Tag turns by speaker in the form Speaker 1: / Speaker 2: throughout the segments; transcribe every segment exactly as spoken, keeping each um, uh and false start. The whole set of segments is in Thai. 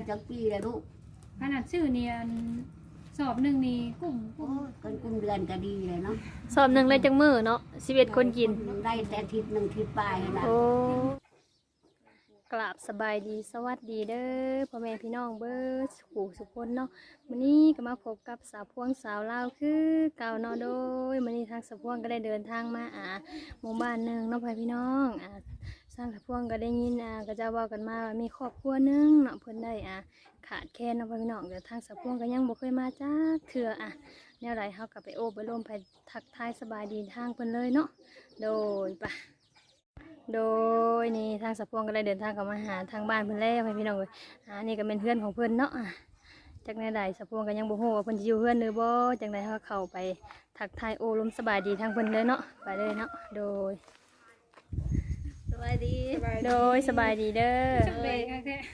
Speaker 1: จักปีแล้วลูก
Speaker 2: ขนาดชื่อเนี่ยสอบหนึ่งนี่กุ้มกุ้ม
Speaker 1: กันกุ้มเดือนก็ดีเลยเนาะ
Speaker 3: สอบหนึ่งเลยจังมือเนาะสิบเอ็ดคนกิน
Speaker 1: ได้แต่ทิศหนึ่งทิศปลายนะ
Speaker 3: โอ้กราบสบายดีสวัสดีเด้อพ่อแม่พี่น้องเบิร์ดสุขสุขคนเนาะวันนี้ก็มาพบกับสาวพวงสาวลาวคือเก่าเนาะโดยวันนี้ทางสาวพวงก็ได้เดินทางมาอ่าหมู่บ้านหนึ่งเนาะพ่อพี่น้องอ่าสร้างสาวพวงก็ได้ยินอ่าก็จะว่ากันมาว่ามีครอบครัวหนึงเนาะเพิ่นได้อ่าขาดแคลนเนาะพ่อพี่น้องเดี๋ยวทางสาวพวงก็ยังบ่เคยมาจ้าเถื่ออ่ะแนวไรเฮาก็ไปโอบไปร่วมไปทักทายสบายดีทางเพิ่นเลยเนาะโดยปะโดยนี่ทางสะพวงก็ได้เดินทางเข้ามาหาทางบ้านเพิ่นแล้วให้พี่น้องเลยอ่านี่ก็เป็นเพื่อนของเพิ่นเนาะจากในใดสะพวงก็ยังบ่ฮู้ว่าเพิ่นสิอยู่เพื่อนหรือบ่จังได๋เฮาเข้าไปทักทายโอ้ลมสบายดีทางเพิ่นเลยเนาะไปเลยเนาะโดย
Speaker 1: สบายดี
Speaker 3: โดยสบายดีเด้อ
Speaker 2: จังเลยแค่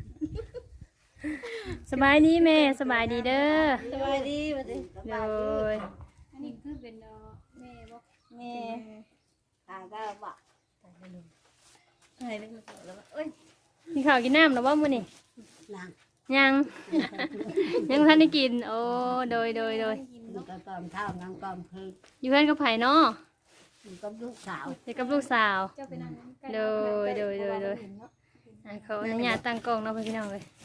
Speaker 3: สบายดีแม่สบายดีเด้อ
Speaker 1: สบายดีบัดนี้
Speaker 3: โดย
Speaker 2: อันนี้คือเป็นแม่บ่
Speaker 1: แม่ตาก็บ่ใช่เลยแล้วเอ้ย
Speaker 3: กินข้าวกินน้ำหรือว่ามื้อนี้
Speaker 1: ยัง
Speaker 3: ยังยังทันได้กินโอ้โดยโดยโดย
Speaker 1: ก็กอมข้าวน้ำกอมเพล
Speaker 3: อยู่เพื่อนกับไผ่เนาะ
Speaker 1: อยู่กับลูกสาว
Speaker 3: อยู่กับลูกสาวโดยโดยโดยโดยเขาอนุญาตตั้งกล้องเนาะพี่น้องเลย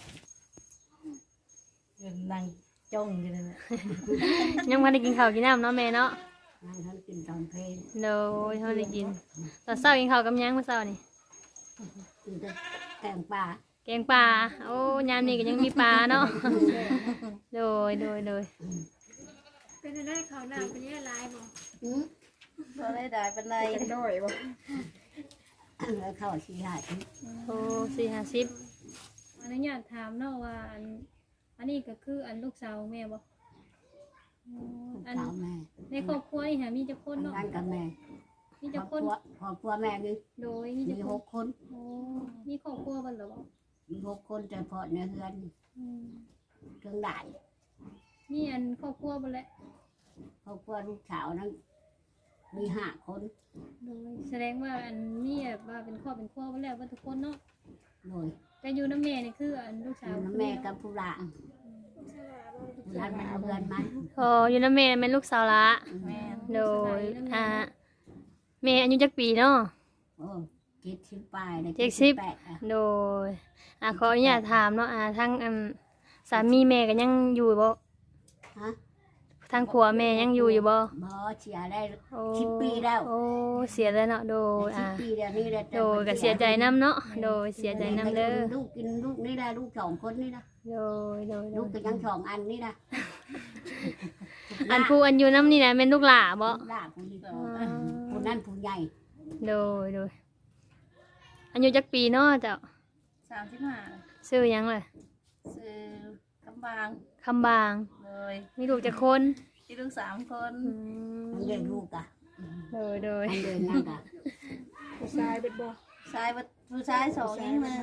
Speaker 1: นั่งจ้องอยู่นั่นแหละ
Speaker 3: ยังพันได้กินข้าวกินน้ำเนาะแม่เนาะ
Speaker 1: นั่งท่านกินตอนเพล
Speaker 3: โดยเขาได้กินตอนเช้ากินข้าวกับยังเมื่อเช้านี่
Speaker 1: กินแต่แกงปลา
Speaker 3: แกงปลาโอ้ยามนี้ก็ยังมีปลาเนาะโดยโดยโดย
Speaker 2: เป็นได้ข้าวหน้าเป็นยังไงบ่
Speaker 1: อืมบ่ได้ได้เป็นไรด้อยบ่แล้วข้าวสี่ห้าสิบ
Speaker 3: โอ้สี่ห้าสิบ
Speaker 2: อันนี้อยากถามเนาะว่าอันอันนี้ก็คืออันลูกสาวแม่บ่
Speaker 1: อันแม่
Speaker 2: ในครอบครัวนี่ค่ะมีจักคนเนาะ
Speaker 1: นั่นกับแม่
Speaker 2: มีจักคน
Speaker 1: ครอบครัวแม่นี่
Speaker 2: โดยมีจัก
Speaker 1: หกคน
Speaker 2: โอ้มีครอบครัวเพิ่นเหรอบ่
Speaker 1: มีหกคนแต่พอในเฮือนเครื่องด่าน
Speaker 2: มีอันครอบครัวบ่แหละ
Speaker 1: ครอบครัวลูกสาวนั้นมีห้าคน
Speaker 2: โดยแสดงว่าอันนี้แบบว่าเป็นครอบเป็นครัวบ่แล้วว่าทุกคนเนาะ
Speaker 1: โดย
Speaker 2: แต่อยู่น้ำแม่นี่คืออันลูกสาว
Speaker 1: น้ำแม่กับผู้หลานผู้หลานมาเอาเฮือนมา
Speaker 3: โอ้อยู่น้ำแม่เป็นลูกสาวละโดยอ่าแม่อายุจักปีเนาะ
Speaker 1: โอ้เจ็ดสิบปลาย
Speaker 3: เจ็ดสิบโดยอ่าขออนุญาตถามเนาะอ่าทั้งอืมสามีแม่ก็ยังอยู่บ่
Speaker 1: ฮะ
Speaker 3: ทั้งผัวแม่ยังอยู่อยู่บ่
Speaker 1: บ่เสียได้สิบปีแล้ว
Speaker 3: โอ้เสียแล้วเนาะโดยอ่า
Speaker 1: สิบปีแล้วนี่แหละ
Speaker 3: โดยก็เสียใจน้ำเนาะโดยเสียใจน้ำเด้อ
Speaker 1: ลูกกินลูกนี่ได้ลูกสองคนนี่นะ
Speaker 3: โดยโดย
Speaker 1: ลูกก็ยังสองอันนี่นะ
Speaker 3: อันผู้อันอยู่น้ำนี่นะเป็นลูกหล่าบ่
Speaker 1: หล่าผู้นี้ผู้นั้นผู้ใหญ่
Speaker 3: โดยโดยอายุจักปีเนาะเจ้า
Speaker 4: สามสิบห้า
Speaker 3: ชื่อยังเลย
Speaker 4: ชื่อคำบาง
Speaker 3: คำบาง
Speaker 4: เลย
Speaker 3: มีลูกจักคน
Speaker 4: มีลูกสามคน
Speaker 1: เลี้ยงลูกอ่ะ
Speaker 3: โดยโดย
Speaker 1: เลี้ยงนั่งอ่ะ
Speaker 2: ผู้ชายเป็นบ่
Speaker 4: ชายผู้ชายสองยิงมา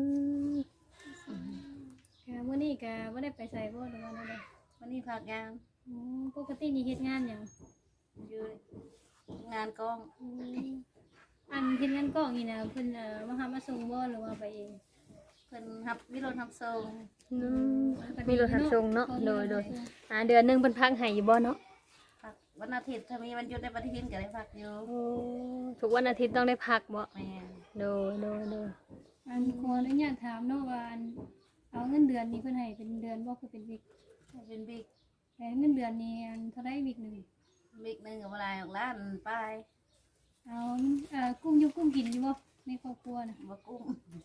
Speaker 2: เมื่อนี้ก็ไม่ได้ไปใส่บ่หรือว่าอะไร
Speaker 4: วันนี้พักงาน
Speaker 2: ปกตินี่เฮ็ดงานอย่าง
Speaker 4: อยู่งานกอง
Speaker 2: อันเฮ็ดงานกองนี่นะเพิ่นมาหามาส่งบ่หรือว่าไปเอง
Speaker 4: เพิ่นทับมีรถทับส่ง
Speaker 3: มีรถทับส่งเนาะโดยโดยอ่าเดือนนึงเพิ่นพักให้อยู่บ่เนาะ
Speaker 4: พักวันอาทิตย์ถ้ามีวันหยุดในปฏิทินก็ได้พักอยู่
Speaker 3: ทุกวันอาทิตย์ต้องได้พักบ่
Speaker 4: แม่
Speaker 3: โดยโดยโดย
Speaker 2: อันขออนุญาตถามเนาะว่าอันเอาเงินเดือนนี้เพิ่นให้เป็นเดือนบ่คือเป็นวิก
Speaker 4: เป็นวิก
Speaker 2: แต่เงินเดือนนี้อันเท่าไรวิกนึง
Speaker 4: วิกนึงก็บ่ได้ออกล้านไป
Speaker 2: เอาเอ่อกุ้งอยู่กุ้งกินอยู่บ่ในครอบครัวน่ะ
Speaker 4: บ่กุ้ง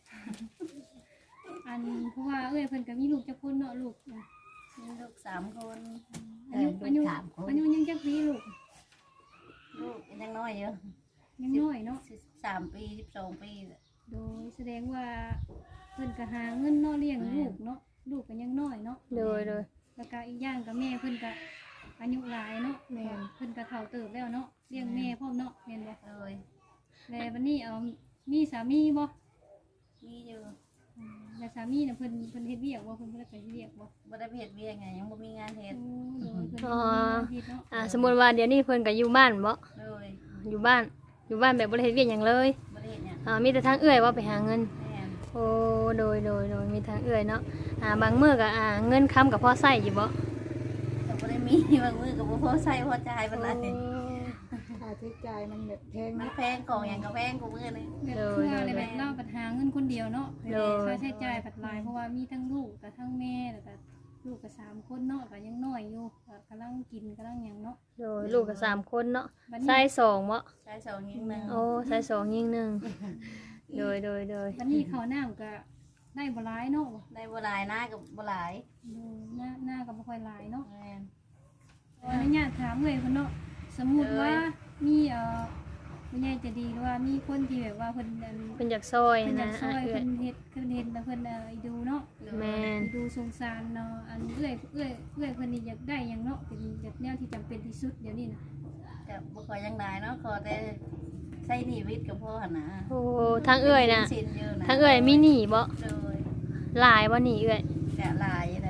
Speaker 2: อันเพราะว่าเอ้ยเพิ่นก็มีลูกจักคนเนาะลูก
Speaker 4: มีลูกสามคน
Speaker 2: อายุอายุอายุยังจักปีลูก
Speaker 4: ลูกยังน้อยอยู่
Speaker 2: ยังน้อยเนาะ
Speaker 4: สิบสามปีสิบสองปี
Speaker 2: โดยแสดงว่าเพิ่นก็หาเงินเนาะเลี้ยงลูกเนาะลูกก็ยังน้อยเนาะ
Speaker 3: โดยโดย
Speaker 2: แล้วก็อีกอย่างก็แม่เพิ่นก็อายุหลายเนาะแม่เพิ่นก็เฒ่าเติบแล้วเนาะเลี้ยงแม่พร้อมเนาะแม่นบ่
Speaker 4: เลย
Speaker 2: แล้ววันนี้เอามีสามีบ่
Speaker 4: มีอยู่
Speaker 2: แล้วสามีน่ะเพิ่นเพิ่นเฮ็ดเวียกบ่เพิ่นบ่ได้ไปเฮ็ดเวียกบ่
Speaker 4: บ่ได้ไปเฮ็ดเวียกไงยังบ่มีงานเฮ็ด
Speaker 3: อ๋ออ่าสมมุติว่าเดี๋ยวนี้เพิ่นก็อยู่บ้านบ่
Speaker 4: เลย
Speaker 3: อยู่บ้านอยู่บ้านแบบบ่ได้เฮ็ดเวียกหยังเลย
Speaker 4: บ่ได้เฮ็ดหยัง
Speaker 3: อ่ามีแต่ทางเอื้อยว่าไปหาเงินโอ้โดยโดยโดยมีทางเอื้อยเนาะอ่าบางมื้อก็อ่าเงินค้ำกับพ่อใช้อยู่บ่
Speaker 4: ก็บ่ได้มีบางมื้อก็บ่พอใช้พอจ่ายปานใด
Speaker 5: ค่าใช้จ่ายมันแบบแพง
Speaker 4: มัน
Speaker 5: นะ
Speaker 4: แพงของหยังก็แพงกูมื้อนี่
Speaker 2: แบบเพื่ออะไรแบบเราปัญหาเงินคนเดียวเนาะค่าใช้จ่ายปัดหลายเพราะว่ามีทั้งลูกกับทั้งแม่แล้วก็ลูกกับสามคนเนาะก็ยังน้อยอยู่ก็กำลังกินกำลังหยังเนาะ
Speaker 3: โดยลูกก็สามคนเนาะ
Speaker 2: บัด
Speaker 3: ชา
Speaker 2: นี้
Speaker 3: ยสองบ่
Speaker 4: ใช้สองยิงหนึง
Speaker 3: โอ้ชายสองยิงหนึ่งโดยโดยโดย
Speaker 2: บัดนี้ข้าวน้ำก็ได้บ่หลายเนาะ
Speaker 4: ได้บ่หลายนะก็บ่หลาย
Speaker 2: หน้าหน้าก็บ่ค่อยหลายเนาะ
Speaker 4: แม่น
Speaker 2: ขออนุญาตถามเลยเพิ่นเนาะสมมุติว่ามีเอ่อผู้ใหญ่ใจะดีหรือว่ามีคนที่แบบว่าเพิ่นอัน
Speaker 3: เป็นจากซอย
Speaker 2: เพิ่นอยา
Speaker 3: นะ
Speaker 2: กช่
Speaker 3: อ่ะ
Speaker 2: วย
Speaker 3: เอื้อ
Speaker 2: เพิ่
Speaker 3: ย
Speaker 2: นเฮ็ดเพิ่นเฮ็ดแล้วเพิ่นเอ่อดูเนาะ
Speaker 3: แม่น
Speaker 2: ดูสงสารเนาะอันเอื้อยเอื้อยเอื้อยเพิ่นนี่อยากได้หยังเนาะเป็นแบบแนวที่จำเป็นที่สุดเดี๋ยวนี้น่ะ
Speaker 4: ก็บ่ค่อยยังได้เนาะขอแต่ใช้หนี้วิทย์กับพ่อหั่นนะ
Speaker 3: โอ้ทางเอื้อยน่ะ
Speaker 4: สินอยู่นะ
Speaker 3: ทางเอื้อยมีหนี้บ่
Speaker 4: โดย
Speaker 3: หลายบ่หนี้เอื้อย
Speaker 4: ก็หลายเลย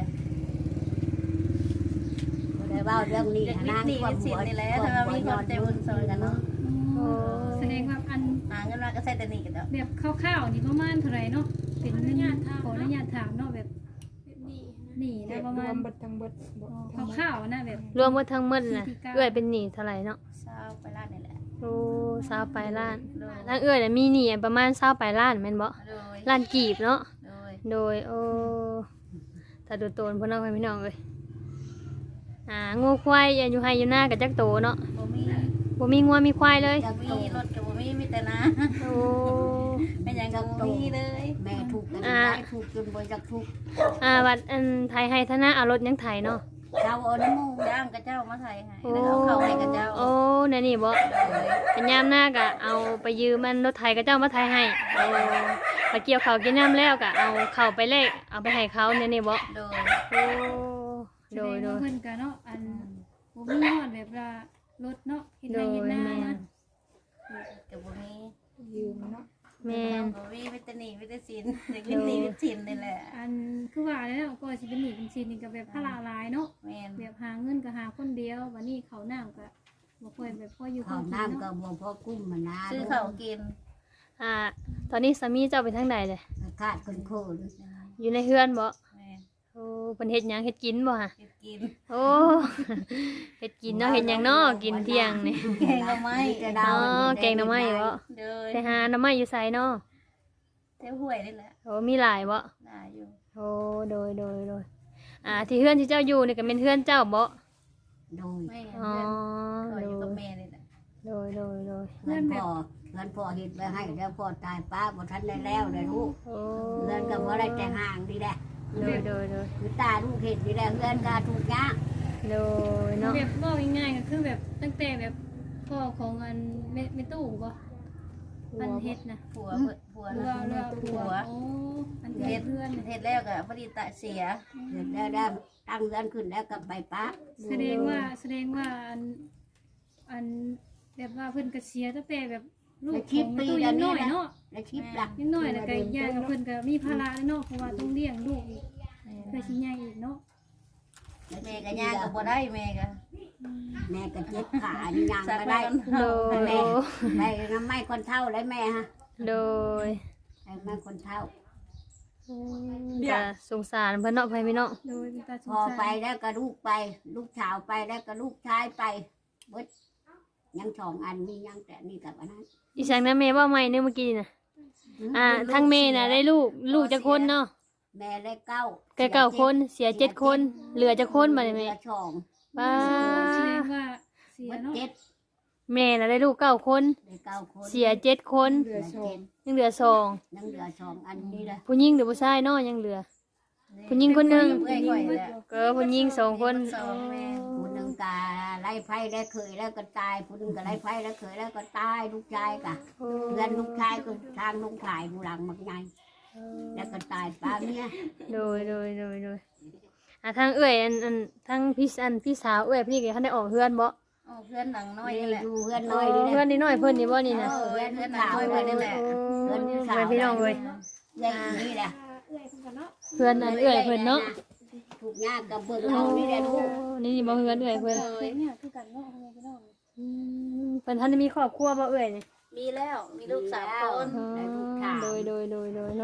Speaker 1: บ่ได้เว้าเรื่องนี้
Speaker 4: เด็ก
Speaker 1: นะ
Speaker 4: วิทย์หนี้วิทย์สินนี่แหละถ้าว่ามีคนใจบุญซอยกันเนาะ
Speaker 3: โอ้
Speaker 2: แสดงว่าอัน
Speaker 4: หาเงินมาก็ใช้แต่หนี้กันเนาะ
Speaker 2: แบบคร่าวๆนี่ประมาณเท่าไหร่เนาะเป็นอนุญาตขออนุญาตถามเนาะแบบนี่นะประ
Speaker 5: ร
Speaker 2: มาว ณ
Speaker 5: มเบิดทั้งเบิดบ่
Speaker 2: อ๋อคร่าวๆนะแบบ
Speaker 3: รวมหมดทั้งหมดน่ะเอื้อยเป็นหนี้เท่าไหร่เนาะ
Speaker 4: เศร้าไปล้านนี่แหละ
Speaker 3: โอ้สาวปลายล้าน
Speaker 4: โดย
Speaker 3: ทางเอื้อยน่ะมีหนี้ประมาณสาวปลายล้านแม่นบ่
Speaker 4: โดย
Speaker 3: ล้านกีบเนาะ
Speaker 4: โดย
Speaker 3: โดยโอ้ถ้าดูโตนพ่อน้องพี่น้องเอ้ยอ่างูควายอยู่ให้อยู่หน้ากับจักโตเนาะ
Speaker 4: บ่มี
Speaker 3: บ่มีงัวมีควายเลย
Speaker 4: บ่มีรถก็บ่มีมีแต่นา
Speaker 3: โอ้
Speaker 4: ไม่หยังก็บ่มีเลย
Speaker 1: แม่ถูกกันได้ถูกจนบ่จักถูก
Speaker 3: อ่าวัดอันไทยให้ธนาเอารถยังไถเนาะ
Speaker 1: เจ้าเอาน้ำมูก
Speaker 4: จ้างกับเจ้ามาไทยให้
Speaker 3: โอ้
Speaker 4: แล้วเอาเข้าให้กับเจ้า
Speaker 3: โอ้นั่นนี่บ่
Speaker 4: โดย
Speaker 3: เป็นยามหน้าก็เอาไปยืมมันรถไถกับเจ้ามาไถให้โอ้ไปเกี่ยวเขาวกินน้ำแล้วก็เอาเข้าไปเลขเอาไปให้เขาเนี่ยนี่บ่
Speaker 4: โดย
Speaker 3: โอ้
Speaker 2: แส
Speaker 3: โด
Speaker 2: ด
Speaker 3: ย
Speaker 2: ง
Speaker 3: โด
Speaker 2: ว่าย เพิ่นก็เนาะอันบ่มีฮอดแบบว่ารถเนาะเฮ็ดไร่เฮ็ดนานะ
Speaker 4: กับบ่มี
Speaker 5: ยืมเนาะ
Speaker 3: แม่น
Speaker 4: บ่มีวิตามินวิตามินเด็กวิตามินวิตามินนี่แหละ
Speaker 2: อันคือว่าแล้วก็สิเป็นหนี้เป็นสินนี่ก็แบบภาระหลายเนาะ
Speaker 4: แม่น
Speaker 2: แบบหาเงินก็หาคนเดียววันนี้เขาวน้ำก็บ่ค่อยแบบพออยู่
Speaker 1: ข้าว
Speaker 2: กิ
Speaker 1: น้ำก็
Speaker 2: เนาะ
Speaker 1: บ่พอกุ้มมันนะ
Speaker 4: ซื้อข้าวกิน
Speaker 3: อ่าตอนนี้สามีเจ้าไปทางใดเลย
Speaker 1: ขาดคนโคตร
Speaker 3: อยู่ในเฮือนบ่
Speaker 4: แม่น
Speaker 3: โอ้เพิ่นเฮ็ดหยังเฮ็ดกินบ่ฮะ
Speaker 4: กินกิน
Speaker 3: โอ้ เฮ็ดกินเนาะเฮ็ดหยังเนาะกินเที่ยงนี่
Speaker 4: แกงก็ไม่
Speaker 3: อ๋อแกงหน่อไม้บ่
Speaker 4: เด้อ
Speaker 3: ไปหาหน่อไม้อยู่ไสเนาะ
Speaker 4: เท่าห้วยนี่แหละ
Speaker 3: โอ้มีหลายบ่
Speaker 4: น่าอยู่
Speaker 3: โอ้โดยโดยโดยอ่าที่เฮือนที่เจ้าอยู่นี่ก็เป็นเฮือนเจ้าบ่
Speaker 1: โดย
Speaker 4: แม่
Speaker 3: อ๋อ
Speaker 4: เพื่อน
Speaker 3: โด
Speaker 4: ก็อยู่กับ
Speaker 3: ย
Speaker 4: แม่นี่แหละ
Speaker 3: โดยโดยโดย
Speaker 1: เงินพ่อเงินพ่อเฮ็ดไว้ให้แล้วพ่อตายป้าบ่ทันได้แล้วเลยลูก
Speaker 3: โอ้
Speaker 1: เงินก็บ่ได้แต่ห่างนี่แหละ
Speaker 3: โดยโดยโดย
Speaker 1: คือตาลูกเฮ็ดนี่แหละเงินก็ถูกยาก
Speaker 3: โดยเนาะ
Speaker 2: แบบบอกง่ายๆก็คือแบบตั้งแต่แบบพ่อของอันแม่แม่ตู้บ่อันเฮ็ดนะ
Speaker 4: ผัวเพิ่นผัว
Speaker 2: เรือ
Speaker 4: นะ
Speaker 2: เรือผัวโอ้อันเฮ็ดเพื่อน
Speaker 4: เฮ็ดแล้วก็พอดีตะเสีย
Speaker 1: เฮ็ดแล้วได้ตั้งเงินขึ้นแล้วก็ไปป้า
Speaker 2: แสดงว่าแสดงว่าอันอันแบบว่าเพิ่นก็เสียตั้งแต่แบบลูกของแม่ตู้ยังน้อยเนาะ
Speaker 1: แล้วชิปล่ะ
Speaker 2: ยังน้อยแล้วก็อีกอย่างก็เพิ่นก็มีภาระเนาะเพราะว่าต้องเลี้ยงลูกอีกเพื่อสิใหญ่อีกเนาะ
Speaker 4: แม่ก็ย่างก็บ่ได้แม่ก็
Speaker 1: แม่ก็เจ็บขานี่ยัง
Speaker 4: สัก
Speaker 1: ก็
Speaker 4: ได้
Speaker 1: ได้
Speaker 3: โดย
Speaker 1: แม่แม่น้ำไม้คนเท่าเลยแม่ฮะ
Speaker 3: โดย
Speaker 1: ไอ้แม่คนเท่า
Speaker 3: จะสงสารเพิ่นเนาะไปพี่น้อง
Speaker 2: โดยมีตาส
Speaker 1: พ
Speaker 2: ง
Speaker 1: อ
Speaker 2: สาร
Speaker 1: ไปแล้วก็ลูกไป ลูกสาวไปแล้วก็ลูกชายไปเบิดยังสองอันมียังแต่นี่กับอันนั้น
Speaker 3: อีสังนะแม่ว่าใหม่เนี่ยเมื่อกี้น่ะอ่าทั้งแม่น่ะได้ลูกลูกจักคนเนาะ
Speaker 1: แม่ได้เก้า
Speaker 3: แก่เก้าคนเสียเจ็ดคน เหลือจักคนบัดนี้
Speaker 1: เห
Speaker 3: แม่
Speaker 1: ลือสอง
Speaker 3: ป้า
Speaker 2: แสดงว่าเสีย
Speaker 1: เบิด
Speaker 2: เนาะ
Speaker 1: เจ็ด
Speaker 3: แม่น่ะได้ลูกเก้าคน
Speaker 1: ได้เก้าคน
Speaker 3: เสียเจ็ดคน
Speaker 5: เหลือ
Speaker 1: เหลือ
Speaker 5: โช
Speaker 1: เจ็
Speaker 5: ม
Speaker 1: ด
Speaker 3: ยังเหลือสอง
Speaker 1: ยังเหลือสองอันนี้เลย
Speaker 3: ผู้หญิงหรือผู้ชายเนาะยังเหลือ ผู้หญิงคนหนึ่ง
Speaker 4: เอ้ยข่อยแหละ
Speaker 3: ก็ผู้หญิงสองคน
Speaker 4: สองแม่
Speaker 1: ผู้หนึ่งกาไล่ไฟได้เคยแล้วก็ตายผู้หนึ่งก็ไล่ไฟแล้วเคยแล้วก็ตายลูกชายกะเพื่อนลูกชายก็ทางลุงขายผู้หลังมักใหญ่แล้วก็ตายป้าเมีย
Speaker 3: โดยโดยโดยโดยอ่ะทางเอื้อยอันอันทางพี่อันพี่สาวเอื้อยพี่ก็ทันได้ออกเฮือนบ่
Speaker 4: อ๋อเพื่อนหนังน้อย
Speaker 1: นี่
Speaker 4: นี่แหละ
Speaker 1: ดูเพื่อน
Speaker 3: เอ
Speaker 1: น้อย
Speaker 3: อ
Speaker 1: นี่แห
Speaker 3: เฮือน
Speaker 1: ละ
Speaker 3: นิดหน่อยเพิ่นนี่บ่นี่นะ
Speaker 1: เออเพื่อนสาว
Speaker 4: เพื่อนนี่แหละ
Speaker 3: โอ้ยพี่น้องเอ้ย
Speaker 1: ใหญ่นี่แหละ
Speaker 2: เอื้อยเพิ่นก็เนาะ
Speaker 3: เพื่อนอันเอื้อยเพิ่นเนาะ
Speaker 1: ถูกยากกับเบิ่งเอานี่แหละลูก
Speaker 3: นี่บ่เฮือนเอื้อยเพิ่น
Speaker 2: เอ้ยเนี่ยคือกันเนาะพ่อแม่พี่น้อง
Speaker 3: อืมเพิ่นทันได้มีครอบครัวบ่เอื้อยนี่
Speaker 4: มีแล้วมีลูกสามคน
Speaker 3: อ๋อโดยโดยโดยโดยเนาะ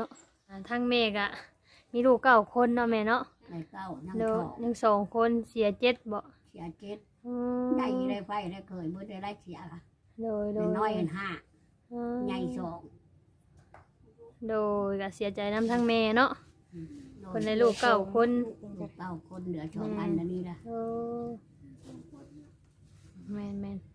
Speaker 3: อ่าทางแม่ก็มีลูกเก้าคนเนาะแม่เนาะ
Speaker 1: ในเก้านั่ง
Speaker 3: โด
Speaker 1: ท
Speaker 3: ย
Speaker 1: อง
Speaker 3: หนึ่งสองคนเสียเจ็ดบ่
Speaker 1: เสียเจ็ด
Speaker 3: อื
Speaker 1: ได้
Speaker 3: ม
Speaker 1: ได้ไฟได้เคยเมื่อได้ได้เสียค่ะ
Speaker 3: โดยโดย
Speaker 1: น้อยเห็นห้า
Speaker 3: อืม
Speaker 1: ใหญ่สอง
Speaker 3: โดยก็เสียใจน้ำทั้งแม่เนาะคนในลูกเก้าคน
Speaker 1: ลูกเก้าคนเหลือสองอันอันนี้นะ
Speaker 3: โอ้แม่นแม่น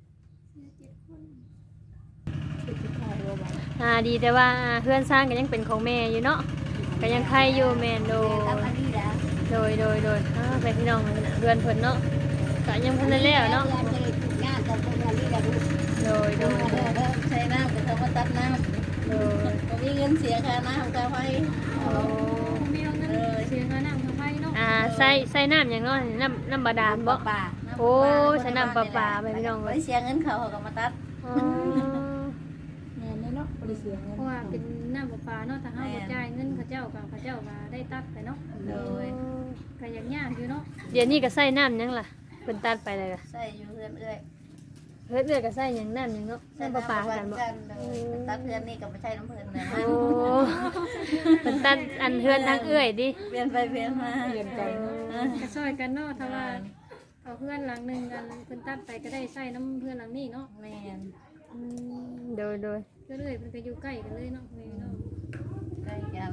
Speaker 5: คือสิขายบ่บ่
Speaker 3: อ่าดีแต่ว่าเพื่อนสร้างก็ยังเป็นของแม่อยู่เนาะก็ยังใครอยู่แม่นโด
Speaker 1: แม่
Speaker 3: ย
Speaker 1: กับอันนี้แหละ
Speaker 3: โดยโดยโดยอ่าไปพี่น้องเพื่อนเพิ่นเนาะก็ยังเพิ่นได้แล้วเนาะ
Speaker 1: เงินจะได้ทุกอย่างกับคนอันนี้แหละลูก
Speaker 3: โดยโดยโดย
Speaker 4: ใช้น้ำก็เขามาตัดน้
Speaker 3: โดย
Speaker 4: ำก็มีเงินเสียค่าน้ำค่าไฟ
Speaker 3: โอ้
Speaker 2: แมวนั่นเสียค่าน้ำค่าไฟเนาะ
Speaker 3: อ่าใส่ใส่น้ำอย่างเนาะน้ำน้ำบาดาลบ่
Speaker 1: ป่า
Speaker 3: โอ้ใส่น้ำประปาไปพี่น้อง
Speaker 4: ไป
Speaker 3: เลย
Speaker 4: เสียเงินเขาเขาก็มาตัด
Speaker 3: อ๋อ
Speaker 5: แม่นเลยเนาะบ่ได้เสียเงิน
Speaker 2: เพราะว่าเป็นน้ำประปาเนาะถ้าเฮาบ่จ่ายเงินเขาเจ้าก็เขาเจ้าก็ได้ตัดไปเนาะ
Speaker 4: โดย
Speaker 2: ก็ยังยากอยู่เนาะ
Speaker 3: เดี๋ยวนี้ก็ใส่น้ำหยังล่ะเพิ่นตัดไปเลยล่ะ
Speaker 4: ใส่อยู่เพื่อนเอ้ย
Speaker 3: เฮ็ดเอื้อยก็ใส่หยังน้ำหยังเนาะใส่ประปากันบ่
Speaker 4: เลยตัดเพื่อนนี่ก็ไม่ใช่น้ำเพื่อนเลย
Speaker 3: โอ้เพิ่นตัดอันเฮือนทางเอื้อยดิ
Speaker 4: เปลี่ยนไปเปลี่ยนมา
Speaker 5: เปลี่ยนใจเนาะ
Speaker 2: ก็ซอยกันเนาะถ้าว่าเอาเพื่อนหลังหนึงกันเพิ่นตัดไปก็ได้ใส่น้ำเพื่อนหลังนี้เนาะ
Speaker 4: แม่น
Speaker 3: อืมโดยโดย
Speaker 2: ก็เลยเพิ่นก็อยู่ใกล้กันเลยเนาะนี่เนาะ
Speaker 4: ใกล้กัน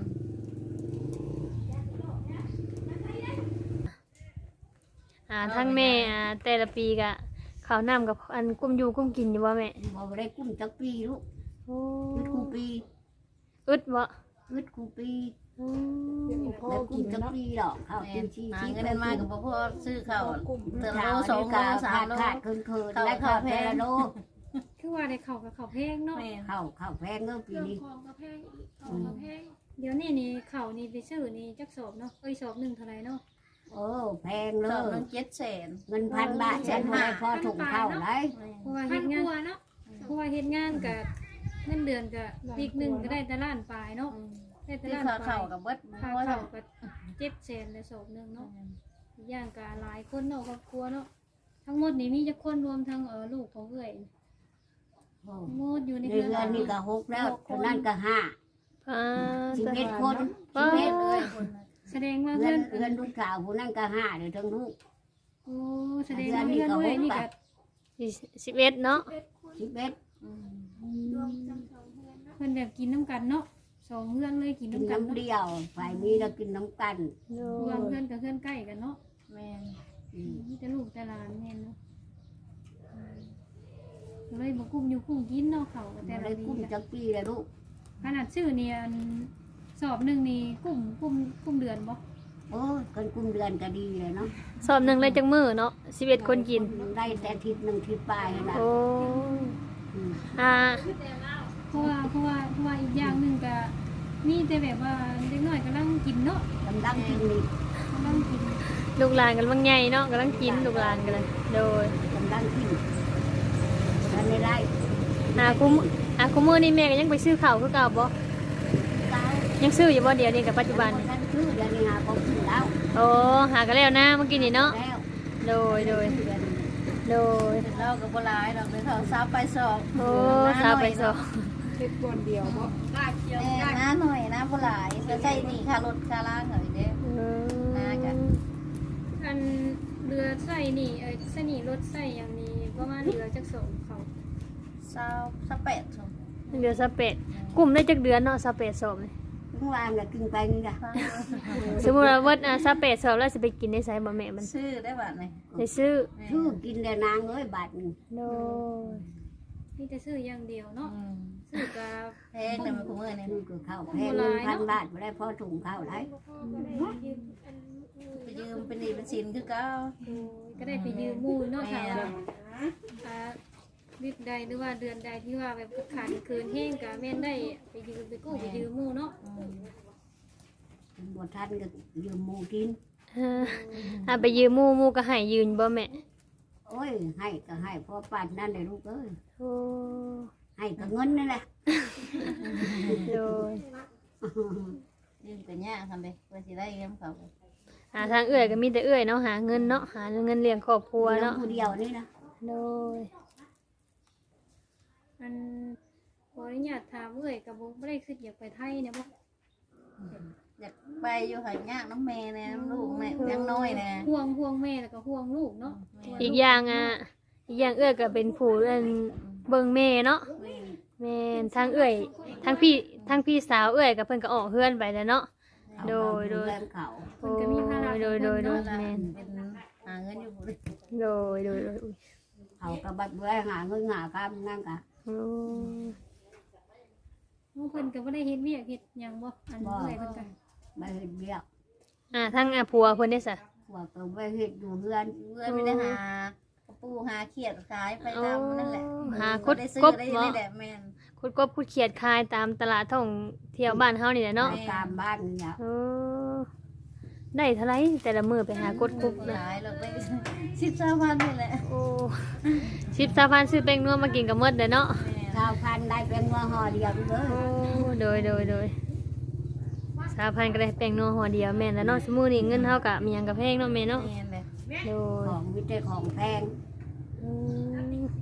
Speaker 3: อ่าทั้งแม่อ่าแต่ละปีก็ข้าวน้ำกับอันกุ้มอยู่กุ้มกินอยู่บ่แม่
Speaker 1: บ่ได้กุ้มจักปีลูก
Speaker 3: โอ้
Speaker 1: อึดคูปี
Speaker 3: อึดบ่
Speaker 1: อึดคูปี
Speaker 3: อื
Speaker 5: เดี๋ยว
Speaker 3: ม
Speaker 5: พ่อ
Speaker 1: แล้ว
Speaker 5: กิ
Speaker 1: กุ้
Speaker 5: น
Speaker 1: มจัก
Speaker 5: เนาะ
Speaker 1: ปีดอกข้าว
Speaker 4: แม่
Speaker 1: กิน
Speaker 4: น
Speaker 1: ชี
Speaker 4: หา
Speaker 1: ชี
Speaker 4: เงินได้มากกับพ่อซื้อข้าวเติมโลสองโลสามโล
Speaker 1: ขาดคืนคืนและข้าวแพงโล
Speaker 2: คือว่าได้เข้ากับข้าวแพงเนาะ
Speaker 4: แม่น
Speaker 1: ข้าวข้าวแพงเงินปี
Speaker 2: เครื่อง
Speaker 1: นี้
Speaker 2: ของก็แพงอีกของก็แพงเดี๋ยวนี้นี่ข้าวนี่ไปซื้อนี่จักสอบเนาะเอ้ยสอบหนึงเท่าไหร่เนาะ
Speaker 1: โอ้แพงเล
Speaker 4: สอง
Speaker 1: ย
Speaker 4: เงินเจ็ดแสน
Speaker 1: เงินพันบาทฉันบ่ได้พอถุงข้าวไร
Speaker 2: เพราะว่าเฮ็ดงานเนาะเพราะว่าเฮ็ดงานกับเงินเดือนกับปีกหนึงก็ได้แต่ล้านปลายเนาะได้แต่
Speaker 4: ซื้อ
Speaker 2: ล้าน
Speaker 4: ข้าว
Speaker 2: ปลา
Speaker 4: เข่าย กับเบิด
Speaker 2: ค่า
Speaker 4: เพราะ
Speaker 2: ข้าวก็เจ็ดแสนเลยสอบหนึงเนาะอีกอย่างก็หลายคนเนาะครอบครัวเนาะทั้งหมดนี่มีจักคนรวมทั้งเออลูกของเอื้อยทั้งหมดอยู่ใน
Speaker 1: ใน
Speaker 2: เรือน
Speaker 1: เงินนี่ก็หกแล้วคนนั้นก็ห้า
Speaker 3: อ่า
Speaker 1: สิบเอ็ดคน
Speaker 3: ป้า
Speaker 1: สิบเอ็ดเลย
Speaker 2: แสดงว่า
Speaker 1: เงิ
Speaker 2: เพื่อน น
Speaker 1: เงินลูกสาวคนนั้นก็ห้าเดี๋ยวทั้งลูก
Speaker 2: โอ้แสดงว่าเพื่อนเอื้อยนี่ก็
Speaker 3: สิบเอ็ดเนาะ
Speaker 1: สิบเอ็ด
Speaker 2: เพื่อนแบบกินน้ำกันเนาะสองเพื่อนเลยกิน
Speaker 1: กิน
Speaker 2: น้ำกัน
Speaker 1: น้ำเดียวฝ่ายนี้เรากินน้ำกัน
Speaker 3: โด
Speaker 2: รวย มเพื่อนกับเพื่อนใกล้กันเนาะ
Speaker 4: แม่น
Speaker 1: อืม
Speaker 2: มีแต่ลูกแต่หลานเนี่ยเนาะก็เลยบอกกุ้มอยู่กุ้งกินเนาะเขาก็แต่
Speaker 1: แต่
Speaker 2: ละ
Speaker 1: ได้
Speaker 2: ดี
Speaker 1: กุ้ม
Speaker 2: จ้ะ
Speaker 1: จักปีเลยลูก
Speaker 2: ขนาดชื่อเนี่ยอันสอบหนึ่งนี่กุ้มกุ้มกุ้มเดือนบ่
Speaker 1: โอ้ยคนกุ้มเดือนก็ดีเลยเนาะ
Speaker 3: สอบหนึ่งเลยจังมือเนาะสิบเอ็ดคนกิน
Speaker 1: ได้แต่ทิศหนึ่งทิศปลายนะ
Speaker 3: โอ้
Speaker 1: อืม
Speaker 3: อ่า
Speaker 2: เพราะว่าเพราะว่าเพราะว่าอีกอย่างหนึ่งก็มีแต่แบบว่าเด็กน้อยกำลังกินเนาะ
Speaker 1: กำลังกินนี่
Speaker 2: กำลังกิน
Speaker 3: ลูกหลานกันบางใหญ่เนาะกำลังกินลูกหลานกันเลยโดย
Speaker 1: กำลังกินทันได้ได้
Speaker 3: อ่าคุมอ่าคุมมือนี่แม่ก็ยังไปซื้อข้าวคือเก่าบ่
Speaker 1: เก้า
Speaker 3: ยังซื้ออยู่บ่เดี๋ยวนี้กับปัจจุบันนี่
Speaker 1: ท่านคือเดือนนี้หาของกินแล้ว
Speaker 3: โอ้หากันแล้วนะเมื่อกี้นี่เนาะ
Speaker 1: แล้ว
Speaker 3: โดยโดย
Speaker 1: เดือนนี้
Speaker 3: โดย
Speaker 4: เรากับโบราณเราไปเขาซับไปสอบ
Speaker 3: โอ้สาวไปสอบ
Speaker 5: เฮ็ดบอนเดียวบ่
Speaker 4: แม่น้าหน่อยนะโบราณจะใส่นี่ค่ารถค่าล่างเหรอเด้ น่าจะ
Speaker 2: อันเรือใส่นี่เอ้ยใส่นี่รถใส่อย่างนี้ประมาณเรือจักสองเขา
Speaker 4: เศร้าสักแปดสอง
Speaker 3: เดือนสเปดกลุ่มได้จักเดือนเนาะสเปดสอบนี่
Speaker 1: เมื่อวานก็กินไปนี่จ้ะ
Speaker 3: สมมุติว่าวัดอ่าสเปดสอบแล้วสิไปกินได้ไสบ่แม่มัน
Speaker 4: ชื่อได้บัตรไหม
Speaker 3: ได้ซื้อ
Speaker 1: ชื่อกินแต่นางเอ้ยบาทหนึ่ง
Speaker 3: โดย
Speaker 2: มีแต่ซื้ออย่างเดียวเนาะซื้อกับ
Speaker 4: แพงเลยมันคุ้มเงินเนี่ย
Speaker 1: ชื่อก็ข้าวแพงเงินพันบาทไม่ได้พอถุงข้าวไร
Speaker 4: ไปยืมเป็นหนี้เป็นสินคือเก้า
Speaker 2: ก็ได้ไปยืมหมู่เนาะค่ะว่าอ่าวิกใดหรือว่าเดือนใดที่ว่าแบบขาดเกินแห้งก็แม่นได้ไปยืมไปกู้ไปยืมหมู่เนาะ
Speaker 1: บวท่านก็ยืมหมูกิน
Speaker 3: อ่าอ่าไปยืมหมู่หมู่ก็ให้ยืนบ่แม่
Speaker 1: โอ้ยให้ก็ให้พอปานนั่นเลยลูกเอ้ย
Speaker 3: โอ้
Speaker 1: ให้ก็เงินนั่นแหละ
Speaker 3: โดย
Speaker 4: ยืมกันยากทำไปเพื่อสิได้เงินเขา
Speaker 3: อ่าทางเอื้อยก็มีแต่เอื้อยเนาะหาเงินเนาะหาเงินเลี้ยงครอบครัว
Speaker 1: เนาะ
Speaker 3: เนาะ
Speaker 1: ผู้เดียวนี่นะ
Speaker 3: โดย
Speaker 2: อันขออนุญาตถามเอ้ยกับบ่ได้คิดอยากไปไทยเนี่ยบ่
Speaker 1: บ
Speaker 4: อยากไปอยู่หายากน้ำแม่แน่น้ำลูกแม่ยังน้อยแน่
Speaker 2: ห่วงห่วงแม่แล้วก็ห่วงลูกเนาะ
Speaker 3: อีกอย่างอ่ะอีกอย่างเอื้อยก็เป็นผู้เอิ้นเบิ่งแม่เนาะ
Speaker 4: แม่
Speaker 3: แม่นทั้งเอื้อยทั้งพี่ทั้งพี่สาวเอื้อยกับเพิ่นก็ออกเฮือนไปแล้วเนาะ โดยโดย
Speaker 1: เรื่องเขา
Speaker 2: เพิ่นก็มีภาระ
Speaker 3: โดยโดยโดย
Speaker 4: นั่น
Speaker 3: แม่น
Speaker 4: เป็นหาเงินอยู่บุรี
Speaker 3: โดยโดยโดยอุ้ย
Speaker 1: เขาก็บัดเบื่อหาเงินหาคำนั่นกะ
Speaker 3: โอ้
Speaker 2: โอ้เพิ่นก็บ่ได้เฮ็ดเวียกเฮ็ดหยังบ่อันเอื้อยเพิ่นก็
Speaker 1: ไปเห็ดเบี้ย
Speaker 3: อ่าทั้งอ่ะผัวเพิ่นได้ซะ
Speaker 1: พวกก็ไปเห็ดอยู่เพื่อน
Speaker 4: เพื่อนไม่ได้หากระปูหาเขียดขายไปตามนั่นแหละ
Speaker 3: หาคด
Speaker 4: ได้ซื้อก
Speaker 3: บ
Speaker 4: ได้
Speaker 3: เนาะ
Speaker 4: ได้แหละแม่น
Speaker 3: คุดกบคุดเขียดคายตามตลาดท่องเที่ยวบ้านเฮานี่แหละเนาะ
Speaker 1: ตามบ้านเนี่ย
Speaker 3: เออได้เท่าไหรแต่ละมื้อไปหากดคุบนะ
Speaker 4: ขายเราได้สิบสามพันนี่แหละ
Speaker 3: โอ้สิบสามพันซื้อแป้งนัวมากินกับหมดเด้อเนาะ
Speaker 4: แม่น
Speaker 1: ชาวพันธุ์ได้เป็นว่าห่อเดียวเลย
Speaker 3: โอ้โดยโดยโดยสามพันก็ได้แป้งนัวห่อเดียวแม่นแล้วเนาะสมมุตินี่เงินเฮาก็มีหยังกับแพงเนาะแม่เนาะ
Speaker 4: แม่นเลย
Speaker 3: โดย
Speaker 1: ของวิจัยของแพง
Speaker 3: อืม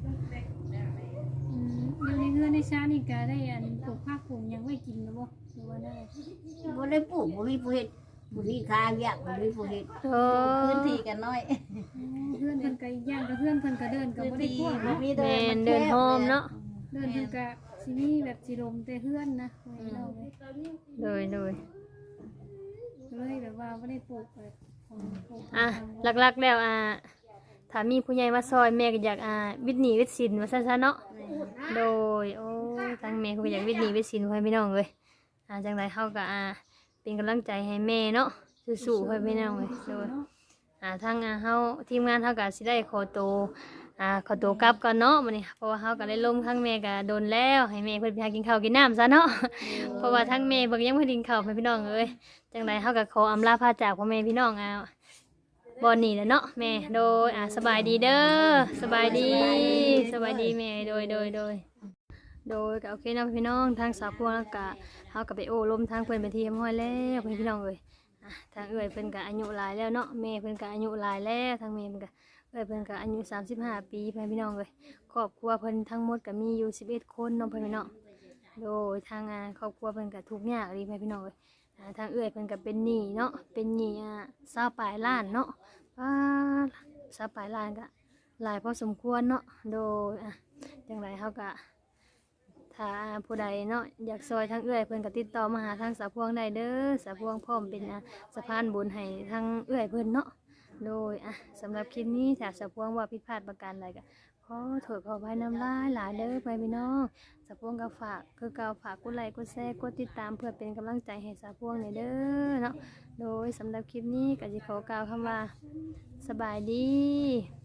Speaker 2: อืมอยู่ในเฮือนในชานี่ก็ได้อันปลูกผักปลูกหยังไว้กินแล้วบ่หรือว่าได้
Speaker 1: บ่ได้ปลูกบ่มีผู้เฮ็ดบ่มีคาเวียกบ่มีผู้เฮ็ด
Speaker 3: โอ้
Speaker 4: พื้นที่กันน้อย
Speaker 2: เพื่อนเพิ่นก็อีกอย่างก็เพื่อนเพิ่นก็เดินก็
Speaker 4: พื้น
Speaker 2: บ่ได้
Speaker 4: ที่
Speaker 2: กว้าง
Speaker 4: บ่
Speaker 2: เนาะ
Speaker 4: มีเดิ
Speaker 3: แม่
Speaker 4: น
Speaker 3: นเดินโฮมเนาะ
Speaker 2: เดินเพิ่นก็สิมีแบบสิลมแต่เพื่อนนะไว้เนาะ
Speaker 3: โดยโดย
Speaker 2: ก็เลยแบบว่าบ่ได้ปลูกแบบของปลูก
Speaker 3: อ่ะหลักๆแล้วอ่ะถ้ามีผู้ใหญ่มาซอยแม่ก็อยากอ่าวิทย์หนีวิทย์ศิลป์ว่าซั่นๆเนาะ โดยโอ้ยทางแม่เขาก็อยากวิทย์หนีวิทย์ศิลป์ให้พี่น้องเลยอ่าจังไรเขาก็อ่าเป็นกำลังใจให้แม่เนาะสู้ๆให้พี่น้องเลยโดยอ่าทางอ่าเฮาทีมงานเฮาก็สิได้ขอตัวอ่าขอตัวกลับก่อนเนาะมื้อนี้เพราะว่าเฮาก็ได้ลมทางแม่ก็โดนแล้วให้แม่เพิ่นไปหากินข้าวกินน้ำซะเนาะเพราะว่าทางแม่เบิ่งยังบ่ได้กินข้าวให้พี่น้องเอ้ยจังไรเฮาก็ขออำลาพาจากพ่อแม่พี่น้องอ่าบ่นี่แหละเนาะแม่โดยอ่าสบายดีเด้อสบายดีสบายดีแม่โดยโดยโดย โดยก็โอเคเนาะพี่น้องทางสาวพวงแล้วก็เฮาก็ไปโอ้ลมทางเพิ่นไปที่เรียบร้อยแล้วพี่น้องเอ้ยอ่ะทางเอ้ยเพิ่นก็อายุหลายแล้วเนาะแม่เพิ่นก็อายุหลายแล้วทางแม่เพิ่นก็เอ้ยเพิ่นก็อายุสามสิบห้าปีพี่น้องเอ้ยครอบครัวเพิ่นทั้งหมดก็มีอยู่สิบเอ็ดคนเนาะพี่น้องโดยทางงานครอบครัวเพิ่นก็ทุกข์ยากดีพี่น้องเอ้ยอ่าทางเอ้ยเพิ่นก็เป็นหนี้เนาะเป็นหนี้อ่าสาวปลายล้านเนาะป้าสาวปลายล้านก็หลายพอสมควรเนาะโดยอ่ะจังไรเฮาก็ ถ้าผู้ใดเนาะอยากซอยทางเอื้อยเพิ่นก็ติดต่อมาหาทางสาวพวงได้เด้อสาวพวงพร้อมเป็นอ่ะสะพานบุญให้ทางเอื้อยเพิ่นเนาะโดยอ่ะสำหรับคลิปนี้ถ้าสาวพวงว่าผิดพลาดประการใดก็ขอโทษขออภัยน้ำลายหลายเด้อไปพี่น้องสาวพวงก็ฝากคือเก่าฝากกดไลค์กดแชร์กดติดตามเพื่อเป็นกำลังใจให้สาวพวงหน่อยเด้อเนาะโดยสำหรับคลิปนี้ก็สิขอกล่าวคำว่าสบายดี